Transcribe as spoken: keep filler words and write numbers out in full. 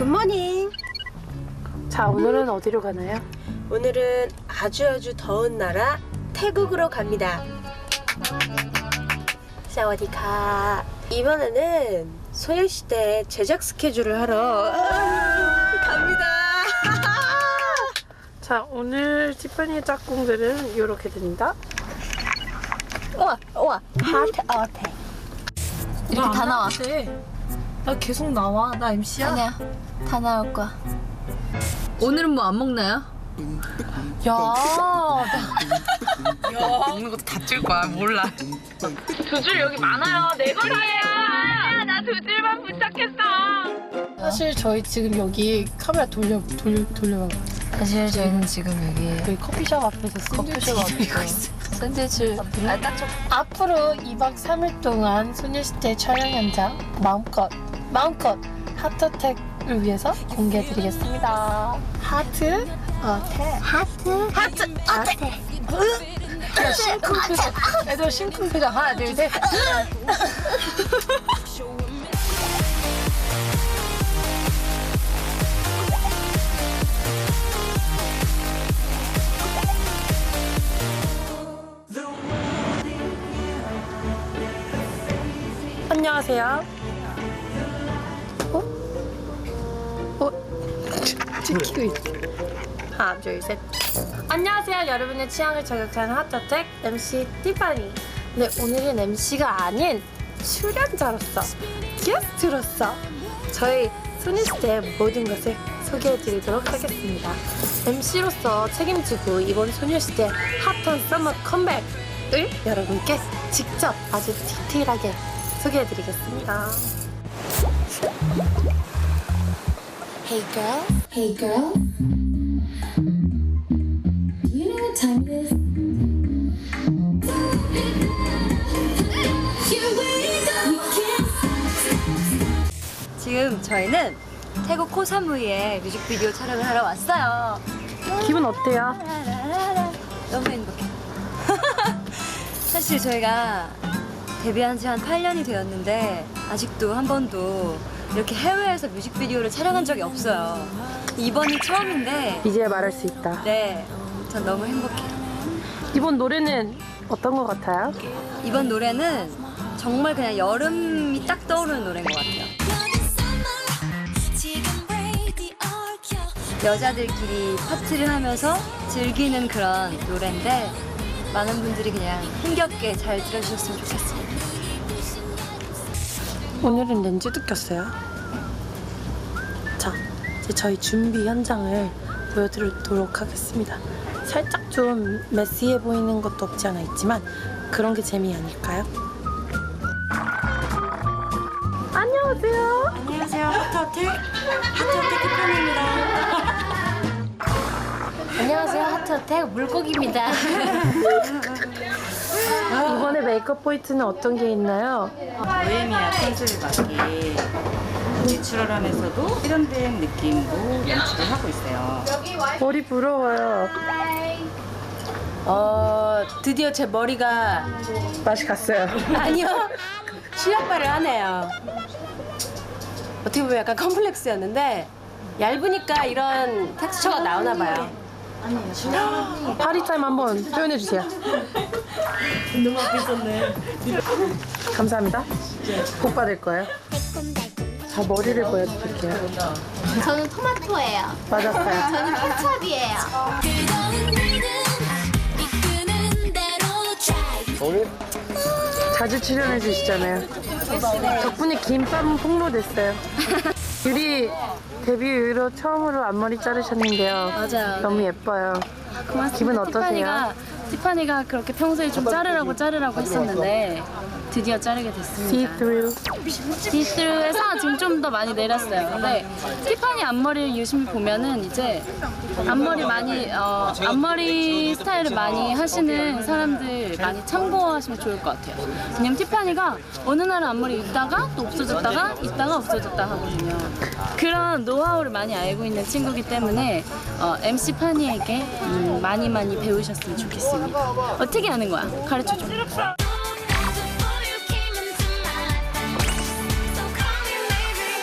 굿모닝. 자, 오늘은 어디로 가나요? 오늘은 아주 아주 더운 나라 태국으로 갑니다. 사와디카. 이번에는 소녀시대 제작 스케줄을 하러 갑니다. 자, 오늘 티파니의 짝꿍들은 이렇게 된다. 우와 우와 하트 어택. 이렇게 다 나와. 나 계속 나와. 나 엠씨야. 아니야, 다 나올 거야. 오늘은 뭐 안 먹나요? 야, 먹는 것도 다 찔 거야. 몰라. 두 줄 여기 많아요. 네 거리예요. 나 두 줄만 부착했어. 사실 저희 지금 여기 카메라 돌려 돌려 돌려. 사실 저희는 지금 여기 여기 커피숍 앞에서 샌드위치 기다리고 있어요. 샌드위치 아, 딱 좀. 앞으로 이박 삼일 동안 소녀시대 촬영 현장 마음껏 마음껏 하트택을 위해서 공개해드리겠습니다. 하트 어택. 하트 하트 어때? 야, 심쿵 표정. 애들 심쿵 표정. 하나 둘 셋. 안녕하세요. 어? 어? 찍히고 있어. 하나, 둘, 셋. 안녕하세요. 여러분의 취향을 저격하는 핫어택 엠씨 티파니. 네, 오늘은 엠씨가 아닌 출연자로서, 게스트로서 저희 소녀시대의 모든 것을 소개해드리도록 하겠습니다. 엠씨로서 책임지고 이번 소녀시대 핫한 서머 컴백을 여러분께 직접 아주 디테일하게 소개해드리겠습니다. Hey girl, hey girl. Do you know what time it is? 지금 저희는 태국 코사무이에 뮤직비디오 촬영을 하러 왔어요. 기분 어때요? 너무 행복해. 사실 저희가 데뷔한 지 한 팔 년이 되었는데 아직도 한 번도 이렇게 해외에서 뮤직비디오를 촬영한 적이 없어요. 이번이 처음인데 이제 말할 수 있다. 네, 전 너무 행복해요. 이번 노래는 어떤 것 같아요? 이번 노래는 정말 그냥 여름이 딱 떠오르는 노래인 것 같아요. 여자들끼리 파티를 하면서 즐기는 그런 노래인데 많은 분들이 그냥 힘겹게 잘 들어주셨으면 좋겠습니다. 오늘은 렌즈도 꼈어요. 자, 이제 저희 준비 현장을 보여드리도록 하겠습니다. 살짝 좀 메시해 보이는 것도 없지 않아 있지만 그런 게 재미 아닐까요? 안녕하세요. 안녕하세요. 하트어택 하트어택 티파니입니다. 안녕하세요, 하트어택 물고기입니다. 이번에 메이크업 포인트는 어떤 게 있나요? 보헤미아 컨셉을 맞게 내추럴하면서도 세련된 느낌으로 연출을 하고 있어요. 머리 부러워요. 어 드디어 제 머리가 맛이 갔어요. 아니요 실력발을 하네요. 어떻게 보면 약간 컴플렉스였는데 얇으니까 이런 텍스처가 나오나 봐요. 파리타임 한번 표현해 주세요. 너무 앞에 있었네. 감사합니다. 복 받을 거예요. 자, 머리를 보여드릴게요. 저는 토마토예요. 맞았어요. 저는 케첩이에요. 자주 출연해 주시잖아요. 덕분에 김밥은 폭로됐어요. 유리 데뷔 이후로 처음으로 앞머리 자르셨는데요. 맞아요. 너무 예뻐요. 고맙습니다. 기분 어떠세요? 티파니가, 티파니가 그렇게 평소에 좀 자르라고 자르라고 했었는데 드디어 자르게 됐습니다. See-through. 디스루에서 지금 좀 더 많이 내렸어요. 근데 티파니 앞머리를 유심히 보면은 이제 앞머리 많이 어, 앞머리 스타일을 많이 하시는 사람들 많이 참고하시면 좋을 것 같아요. 왜냐면 티파니가 어느 날은 앞머리 있다가 또 없어졌다가 있다가 없어졌다 하거든요. 그런 노하우를 많이 알고 있는 친구기 때문에 어, 엠씨 파니에게 음, 많이 많이 배우셨으면 좋겠습니다. 어떻게 하는 거야? 가르쳐 줘.